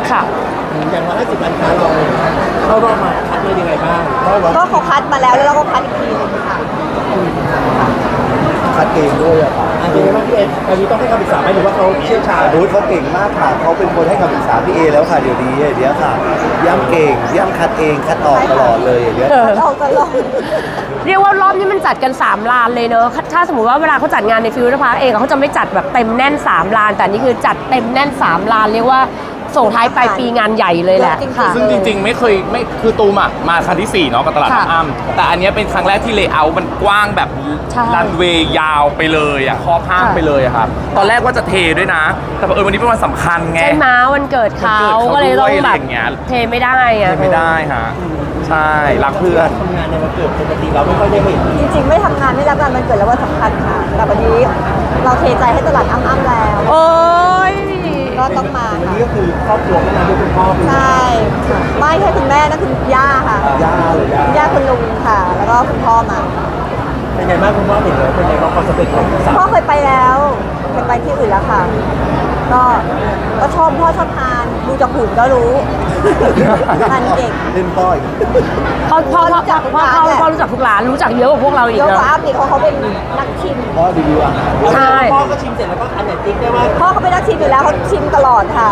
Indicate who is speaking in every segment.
Speaker 1: ค่ะ
Speaker 2: อย่าง150 ล้านค้าเราเข้ารอบมาคัดมายังไงบ้าง
Speaker 3: ก็เขาคัดมาแล้วเราก็คัดอีกทีนึงค่ะ
Speaker 2: คัดเองด้วยอะค่ะเป็นไงบ้างพี่เอตอนนี้ต้องให้คำปรึกษาไหมหรือว่าเขาเชี่ยวชาญ
Speaker 4: เขาเก่งมากค่ะเขาเป็นคนให้คำปรึกษาพี่เอแล้วค่ะเดี๋ยวนี้ค่ะย่ำเก่งย่ำคัดเองคัดออกตลอดเลยเดี๋ยว
Speaker 3: เราตลอด
Speaker 1: เรียกว่ารอบนี้มันจัดกัน3 ลานเลยเนอะถ้าสมมติว่าเวลาเขาจัดงานในฟิวเจอร์พาร์คเองเขาจะไม่จัดแบบเต็มแน่น3 ลานแต่นี่คือจัดเต็มแน่น3 ลานเรียกว่าส่งท้ายปลายปีงานใหญ่เลยแหละค่ะ
Speaker 5: ซึ่งจริงๆไม่คือตูมมาครั้งที่4เนาะกับตลาดอ้ำแต่อันนี้เป็นครั้งแรกที่เลเยอร์มันกว้างแบบรันเวย์ยาวไปเลยครอบห้างไปเลยครับตอนแรกว่าจะเทด้วยนะแต่วันนี้เป็นวันสำคัญไง
Speaker 1: ใช่ไหมวันเกิดเขาก็เลยต้องแบบเทไม่ได้
Speaker 5: ไม่ได้ฮะใช่รักเพื่อน
Speaker 2: ทำงานในวันเกิดปกติเราไม่ค่อยได้เห็น
Speaker 3: จริงๆไม่ทำงานไม่รับงานมันเกิดแล้วว่าสำคัญค่ะแต่วันนี้เราเทใจให้ตลาดอ้ำแล้ว
Speaker 1: โอ้ย
Speaker 3: ก็ต้องมา
Speaker 2: วันนี้ก็คือครอบครัวก็มาด้วยคุณพ่อ
Speaker 3: ใช่ไม่ใช่คุณแม่นะคุณย่าค่ะ
Speaker 2: ย่าเลย
Speaker 3: ย่าคุณลุงค่ะ แล้วก็คุณพ่อมา
Speaker 2: เป็นไงบ้างคุณพ่อเห็นเลยเป็นไงบ้างความสำเร็จของสาว
Speaker 3: พ่อเคยไปแล้วเคยไปที่อื่นแล้วค่ะก็ชอบพ่อชอบทานดูจากหุ่นก็รู้ทานเก่ง
Speaker 4: เล่นพ่ออีก
Speaker 1: พ่อรู้จักทุกร้านรู้จักเยอะกว่าพวกเราอีก
Speaker 3: เยอะกว่าอัพอีกเขาเป็นนักชิม
Speaker 4: พ่อรีวิวอาหาร
Speaker 1: ใช่
Speaker 2: พ่อก็ชิมเสร็จแล้วก็อันไหนติ๊กได้ว่า
Speaker 3: พ่อเขาเป็นนักชิมอยู่แล้วเขาชิมตลอดค่ะ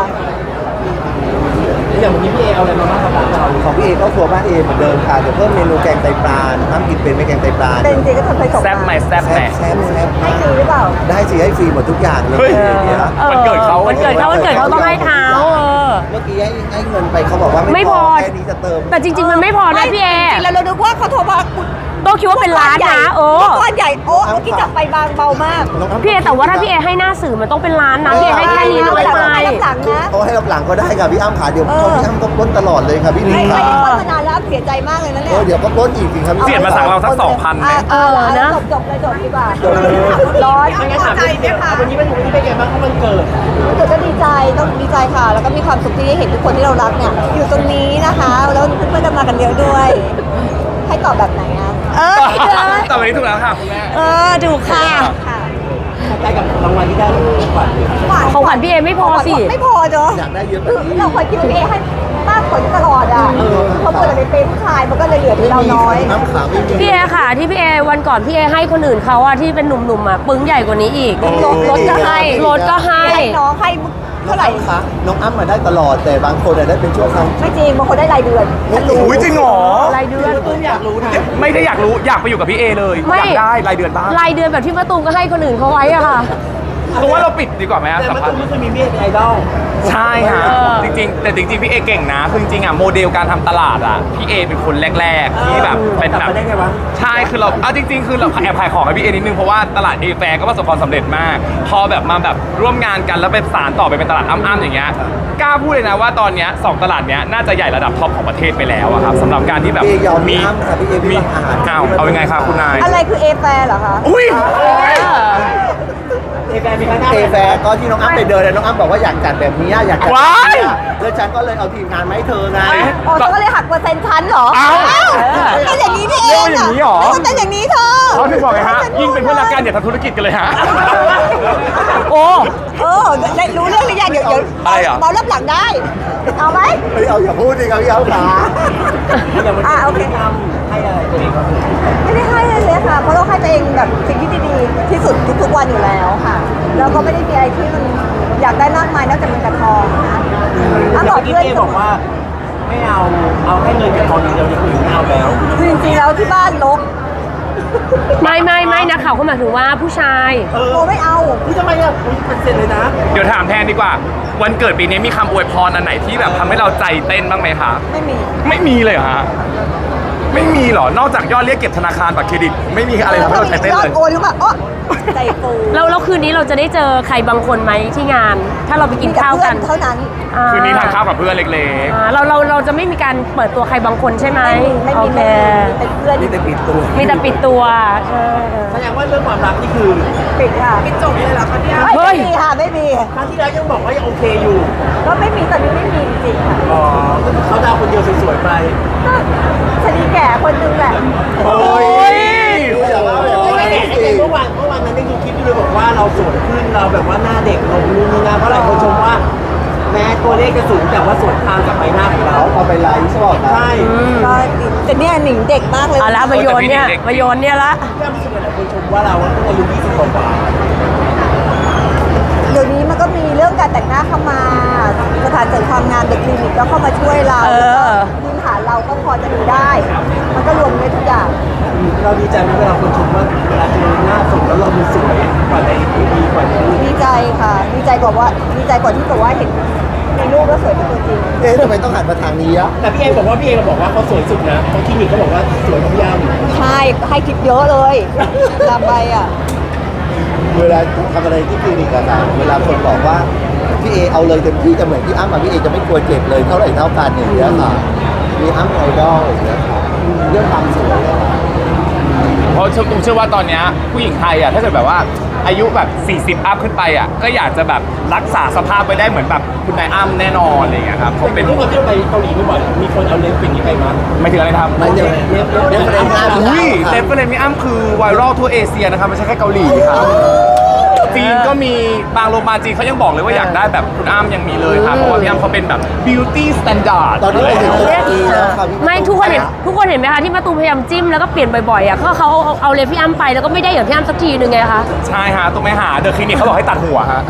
Speaker 2: อย่างวันนี้พี่เอเอาอะไรมาบ้างครับ
Speaker 4: ของพี่เอก็ครัวบ้านเอเหมือนเดิมค่ะเดี๋ยวเพิ่มเมนูแกงไตปลาน้ำกินเป็นไม่แกงไตปลา
Speaker 3: เป็นจริงก็ทำไปส่ง
Speaker 5: แซ่บไหมแซ่บ
Speaker 4: ให้ฟ
Speaker 3: รีหรือเปล่า
Speaker 4: ได้สิให้ฟรีหมดทุกอย่างเลย
Speaker 5: วันเกิดเขา
Speaker 1: ต้องให้เท้า
Speaker 4: เมื่อกี้ให้เงินไปเขาบอกว่าไม่พอแค่นี้จะเติม
Speaker 1: แต่จริงๆมันไม่พอนะพี่เอ
Speaker 3: แล้วเราดูว่าเขาโทรมา
Speaker 1: โตคิดว่าเป็นร้านนะ
Speaker 3: ก้อนใหญ่เมื่อกี้จับไปบางเบามาก
Speaker 1: พี่เอแต่ว่าถ้าพี่เอให้หน้าสื่อมันต้องเป็นร้านนะพี่เอให้แค่นี้
Speaker 3: ไม่
Speaker 1: ได้
Speaker 3: ให้รับหลังนะ
Speaker 4: เขาให้รับหลังก็ได้ค่ะพี่อ้ำขาเดี๋ยวพี่อ้ำก็ปล้นตลอดเลยค่ะพี่
Speaker 3: ลิงค่ะไม่ได้ปล้นมานานแล้วเสียใจมากเลยนะเนี่ย
Speaker 4: เดี๋ยวก็ปล้นอีกสิครับ
Speaker 5: เสียมาสั่งเราสัก2,000ไหม
Speaker 3: นะจบเลยดีกว่าร้อน
Speaker 2: ไม่งั้นถามพี่เอวันนี้เป็นไงบ้างเพราะมันเกิด
Speaker 3: ก็ดีใจต้องดีใจค่ะแล้วก็มีความสุขที่ได้เห็นทุกคนที่เรารักเนี่ยอยู่ตรงนี้นะคะแล้วเพื่อนๆจะมากันเยอะด้วยให้ตอบแบบไหนอ่ะ
Speaker 5: แต่วันนี้ถูกแล้วค่ะคุณแม่
Speaker 1: ถูกค่ะ
Speaker 2: ใกล้กับรางวัลที่ได้
Speaker 1: ของขวัญพี่เอไม่พอสิ
Speaker 3: ไม่พอเนาะ
Speaker 4: อยากได้เยอะ
Speaker 3: เราเคยคิดว่าพี่เอให้มากกว่าตลอดอ่ะเขาเปิดในเป็นผู้ชายมันก็เลยเหลือที่เราน้อย
Speaker 1: พี่เอค่ะที่พี่เอวันก่อนพี่เอให้คนอื่นเขาอะที่เป็นหนุ่มๆอะปึ้งใหญ่กว่านี้อีกรถก็ให้
Speaker 3: น้องให้เท่าไหร่
Speaker 4: คะน้องอ้ำมาได้ตลอดแต่บางคนได้เป็นช่วงครั้ง
Speaker 3: ไม่จริงบางคนได้รายเดือน
Speaker 5: อุ้ยจริงเหรอ
Speaker 1: รายเดือน
Speaker 2: อยากรู้นะ
Speaker 5: ไม่ได้อยากรู้อยากไปอยู่กับพี่เอเลยอยากได้รายเดือนบ้าง
Speaker 1: รายเดือนแบบที่มะตูมก็ให้คนอื่นเขาไว้อะค่ะ
Speaker 5: เพราะว่าเราปิดดีกว่าไหม
Speaker 2: แต่มะตูมไม่เคยมีเมียเป็นไอดอล
Speaker 5: ใช่ฮะจริงพี่เอเก่งนะคือจริงโมเดลการทำตลาดพี่เอเป็นคนแรกๆที่แบบเป็นแบบใช่คือเราจริงคือเราแอบขายของให้พี่เอนิดนึงเพราะว่าตลาดเอแฟร์ก็ประสบความสำเร็จมากพอแบบมาแบบร่วมงานกันแล้วเป็นสารต่อไปเป็นตลาดอ้ำๆอย่างเงี้ยกล้าพูดเลยนะว่าตอนนี้2ตลาดเนี้ยน่าจะใหญ่ระดับท็อปของประเทศไปแล้วครับสำหรับการที่แบบ
Speaker 4: มีอาหาร
Speaker 5: เอายังไงครับคุณนาย
Speaker 3: อะไรคือเอแฟร์เหรอคะ
Speaker 5: อุ้ย
Speaker 2: เอแฟร์มีคณะ
Speaker 4: เอแฟร์ก็ที่น้องอ้ำไปเดินน้องอ้ำบอกว่าอยากจัดแบบนี้อยากจัดแล้วฉันก็เลยเอาทีมงานมาให้เธอไง
Speaker 3: ก็เลยหักเปอร์เซ็นต์ชั้นเหรอเป็นอย่างนี้พี่เอง
Speaker 5: อย่างนี้หรอ
Speaker 3: เป็นอย่างนี้เธอ
Speaker 5: เขาถึงบอกไงฮะยิ่งเป็นเพื่อนรักกันอย่าทำธุรกิจกันเลยฮะ
Speaker 3: ได้รู้เรื่องหรือยังเดี๋ยวเบารับหลังได้เอาไหม
Speaker 4: ไม่เอาอย่าพูดดิครับพี่เอาขา
Speaker 3: โอเค
Speaker 2: ให้อะไรตัวเอง
Speaker 3: ไม่ได้ให้เลยค่ะเพราะเราให้ตัวเองแบบสิ่งที่ดีๆที่สุดทุกๆวันอยู่แล้วค่ะแล้วก็ไม่ได้มีอะไรที่มันอยากได้มากมายนอกจากเงินกับทองนะ
Speaker 2: บอกเพื่อนบอกว่าไม่เอาแค่เงินกับทองอย่างเดียวอย่างอื่นไม่เอาแล้ว
Speaker 3: จริงๆแล้วที่บ้านลบ
Speaker 1: ไม่นะเขาหมายถึงว่าผู้ชาย
Speaker 3: ไม่เอา
Speaker 2: ทำไมอ่ะเป็นเซ็นเลยนะ
Speaker 5: เดี๋ยวถามแทนดีกว่าวันเกิดปีนี้มีคำอวยพรอันไหนที่แบบทำให้เราใจเต้นบ้างไหมคะไม่มีเลยเหรอฮะไม่มีหรอนอกจากยอดเรียกเก็บธนาคารบัตรเครดิตไม่มีอะไรทำให้เราใจเต้นเลย
Speaker 3: โอนหรือเปล่าใจฟู
Speaker 1: แล้วคืนนี้เราจะได้เจอใครบางคนไหมที่งานถ้าเราไปกินข้าวกัน
Speaker 3: เท่านั้น
Speaker 5: คืนนี้ทานข้าวกับเพื่อนเล็ก
Speaker 1: ๆเราจะไม่มีการเปิดตัวใครบางคนใช่ไหม
Speaker 3: ไม่มีเป็นเพื่อน
Speaker 4: มีแต่ปิดตัว
Speaker 1: มีแต่ปิดตัวใช่
Speaker 2: แสดงว่าเรื่องความรักนี่คือ
Speaker 3: ปิดค่ะ
Speaker 2: ปิดจบเลยเหรอคะเนี่ย
Speaker 3: ไม่มีค่ะไม่มี
Speaker 2: ครั้งที่แล้วยังบอกว่ายังโอเคอยู่
Speaker 3: ก็ไม่มีตอนนี้ไม่มีจริงค่ะ
Speaker 2: เขาดาวคนเดียวสวยๆไป
Speaker 3: ก็ชนีแก่คนนึงแหละ
Speaker 5: โอ้ย
Speaker 2: เมื่อวานนั้นได้ดูคลิปด้วยบอกว่าเราสวยขึ้นเราแบบว่าหน้าเด็กลงนู่นนี่นะเพราะหลายคนชมว่าแม้ตัวเลขจะสูงแต่ว่าสวนทางกับใบหน้าของเรา
Speaker 4: เขาเอาไปไลฟ์ใช่ป่ะครับ
Speaker 2: ใช่
Speaker 3: ก็แต่เนี่ยหนิงเด็กมากเลย
Speaker 1: เอาละมาโยนเนี่ยมาโยนเนี่ยละ
Speaker 2: พี่อ้ำรู้สึกเหมือนหลายคนชมว่าเราเพิ่งอายุ20กว่า
Speaker 3: เดี๋ยวนี้มันก็มีเรื่องการแต่งหน้าเข้ามาสถานเสริมความงามเด็กคลินิกก็เข้ามาช่วยเรา
Speaker 1: เออ
Speaker 3: พื้นฐานเราก็พอจะดูได้ มันก็รวมได้ทุกอย่าง
Speaker 2: เราดีใจไหมเวลาคนชมว่าเวลาเจอหน้าสดแล้วเราดูสวยกว่าในทีวีกว่าในรูป
Speaker 3: ดีใจค่ะ ดีใจกว่าที่แบบว่าเห็นในรูปแล้วสวยเป็นตัวจริง
Speaker 4: เอ๊ะทำไมต้องหันมาทางนี้อ่ะ
Speaker 2: แต่พี่เอบอกว่าเขาสวยสุดนะเขาคลินิกเขาบอกว่าสวยกว่าพี่อ้ำ
Speaker 3: ใช่ให้ทิปเยอะเลยลำไปอ่ะ
Speaker 4: เวลาทำอะไรที่คลินิกอะค่ะเวลาคนบอกว่าพี่เอเอาเลยเต็มที่จะเหมือนพี่อ้ำมาพี่เอจะไม่กลัวเจ็บเลยเท่าไหร่เท่ากันอย่างเงี้ยค่ะมีอ้ำไอดอลอย่างเงี้ยค่ะเรื่องความสวยอะค่ะ
Speaker 5: เพราะตุ้มเชื่อว่าตอนเนี้ยผู้หญิงไทยอ่ะถ้าเกิดแบบว่าอายุแบบ40อัพขึ้นไปอ่ะก็อยากจะแบบรักษาสภาพไปได้เหมือนแบบคุณนายอ้ำแน่นอนอะไรอย่างเงี้ยครับเขาเป็น
Speaker 2: ทุกคนที่เราไปเกาหลีบ่อยๆมีคนเอาเล็บอย่างนี้ไปมั้ย
Speaker 5: ไม่ถึงอะไรนะครับ
Speaker 4: มันจะเรื่องประเด็นหน้าพี่
Speaker 5: อุ้ย
Speaker 4: อ้ำ
Speaker 5: เล็บก็เลยมีอ้ำคือไวรัลทั่วเอเชียนะครับไม่ใช่แค่เกาหลีครับจีนก็มีบางโรงพยาบาลจีนเขายังบอกเลยว่าอยากได้แบบคุณอ้ำยังมีเลยครับเพราะว่าพี่อ้ำเขาเป็นแบบ beauty standard
Speaker 4: ตอนนี้ไปถึงตุรกีแล้วค่ะพี่
Speaker 1: ไม่ทุกคนเห็นไหมคะที่มาตูมพยายามจิ้มแล้วก็เปลี่ยนบ่อยๆอ่ะเขาเอาเลยพี่อ้ำไปแล้วก็ไม่ได้อย่างพี่อ้ำสักทีนึงไงคะ
Speaker 5: ใช่ฮะต้องไปหาเดอะคลินิกเขาบอกให้ตัดหัวฮะ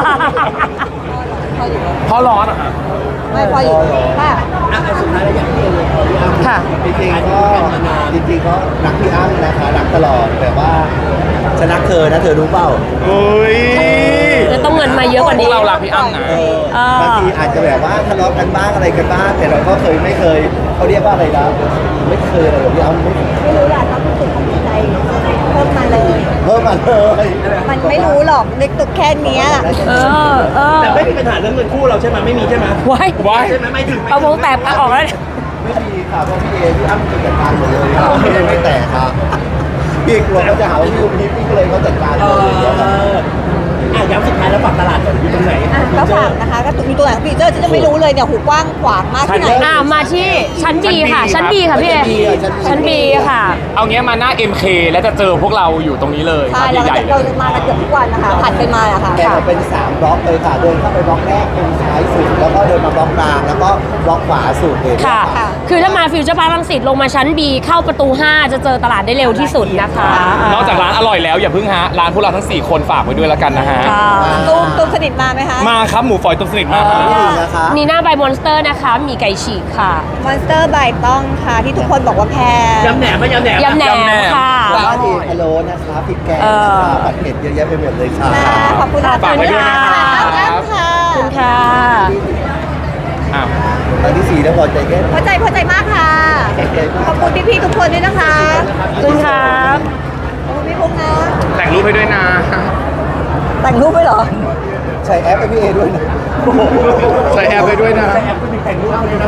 Speaker 3: พออยู่
Speaker 5: เพราะร้อนอะฮะ
Speaker 3: ไม่พออยู่ค่ะ
Speaker 2: อ่ะสุดท้ายแล้วอย่างที่เอเลยขอพี่อ้ำ
Speaker 1: ค่ะ
Speaker 4: จริงๆก็รักพี่อ้ำนะคะรักตลอดแต่ว่าฉันรักเธอนะเธอรู้เปล่า
Speaker 5: เฮ้ย
Speaker 1: จะต้องเงินมาเยอะกว่า
Speaker 5: พว
Speaker 1: นี้
Speaker 5: กเรารักพี่อ้ำนะ
Speaker 4: บางทีอาจจะแบบว่าทะเลาะกันบ้างอะไรกันบ้างแต่เราก็ไม่เคยเขาเรียกว่าอะไรนะไม่เคยอะไรแบบพี่อ้ำไม่
Speaker 3: ไม่รู้แหละความรู้สึกของใจเพิ่มมาเลย
Speaker 4: เพิ่มมาเลย
Speaker 3: มันไม่รู้หรอกเล็กตุกแค่เนี้ย
Speaker 1: เออ
Speaker 2: แต่ไม่มีปัญหาเรื่องเงินคู่เราใช่ไหมไม่มีใช่ไหม
Speaker 1: ไว้
Speaker 5: ว้าย
Speaker 2: ใช่ไหมไม่ถึง
Speaker 1: เอาวงแตกออกแล้ว
Speaker 4: ไม่มีค่ะเพราะพี่เอพี่อ้ำจัดการหมดเลยครับไม่แตกครับพี่กลัวเขาจะหาว่าพี่อุ้มทิพย์พี่ก็เลยเขาจัดการหมดเลยครับ
Speaker 2: ย้ำสุดท้ายแล้วฝากตลาดก่อนอยู่ตรงไหน
Speaker 3: ก็ฝากนะคะก็มีตัวไหนของฟีเจอร์ฉันจะไม่รู้เลยเนี่ยหูกว้างขวางมากที่ไหน
Speaker 1: มาที่ชั้นบีค่ะ ชั้นบีค่ะพี่เอชั้นบีค่ะ
Speaker 5: เอางี้มาหน้า MK แล้วจะเจอพวกเราอยู่ตรงนี้เลย
Speaker 3: ใช่
Speaker 5: ครับ
Speaker 3: เรา
Speaker 5: ใหญ่ๆเล
Speaker 3: เรา
Speaker 5: ย
Speaker 3: จะมากันเกือบทุกวันนะคะผัดไปมาอะค่ะ
Speaker 4: แบ่งออกเป็น3บล็อกเลยค่ะเดินเข้าไปบล็อกแรกตรงซ้ายสุดแล้วก็เดินมาบล็อกกลางแล้วก็บล็อกขวาสุดเลย
Speaker 1: ค่ะ คือถ้ามาฟิวเจอร์พาร์ครังสิตลงมาชั้น B เข้าประตู 5 จะเจอตลาดได้เร็วที่สุดนะคะ
Speaker 5: นอกจากร้านอร่อยแล้วอย่าเพิ่งฮะร้านพวกเราทั้ง 4 คนฝากไว้ด้วยแล้วกันนะฮะ
Speaker 1: ค่ะ
Speaker 3: ตูมสนิทมาไหมคะ
Speaker 5: มาครับหมูฝอยตุ้มสนิทมาครับ
Speaker 4: ไม่ดีนะคะ
Speaker 1: นีน่าใบมอนสเตอร์นะคะ มีไก่ฉีกค่ะ
Speaker 3: มอนสเตอร์ใบต้องค่ะที่ทุกคนบอกว่าแพง
Speaker 2: ยำแหนมไหมยำแหนม
Speaker 1: ยำแหนมค่ะ
Speaker 4: แล้วก็ดีพะโล้นะคะพริกแกงนะคะผัดเผ็ดเยอะแยะไปหมดเลยค่ะ
Speaker 3: ค่ะขอบคุณค่ะ
Speaker 5: ฝากไว้ด้วยนะครับ
Speaker 3: ขอบคุณค่ะ
Speaker 1: ขอบคุณค่ะ
Speaker 5: อ้าว
Speaker 4: ตอนที่4แล้วพอใจแค่
Speaker 3: พอใจมากค่ะ
Speaker 4: ใจมาก
Speaker 3: ขอบคุณพี่ๆทุกคนด้วยนะคะ
Speaker 1: ขอบคุณครับ
Speaker 3: ขอบคุณพี่พุ่งนะ
Speaker 5: แต่งรูปให้ด้วยนะ
Speaker 3: แต่งรูปไปเหรอ
Speaker 4: ใช้แอปให้พี่เอด้วยนะ
Speaker 5: ใส่แอปไปด้วยนะ
Speaker 2: แอปก็มีแต่งรูปให้ด้วยนะ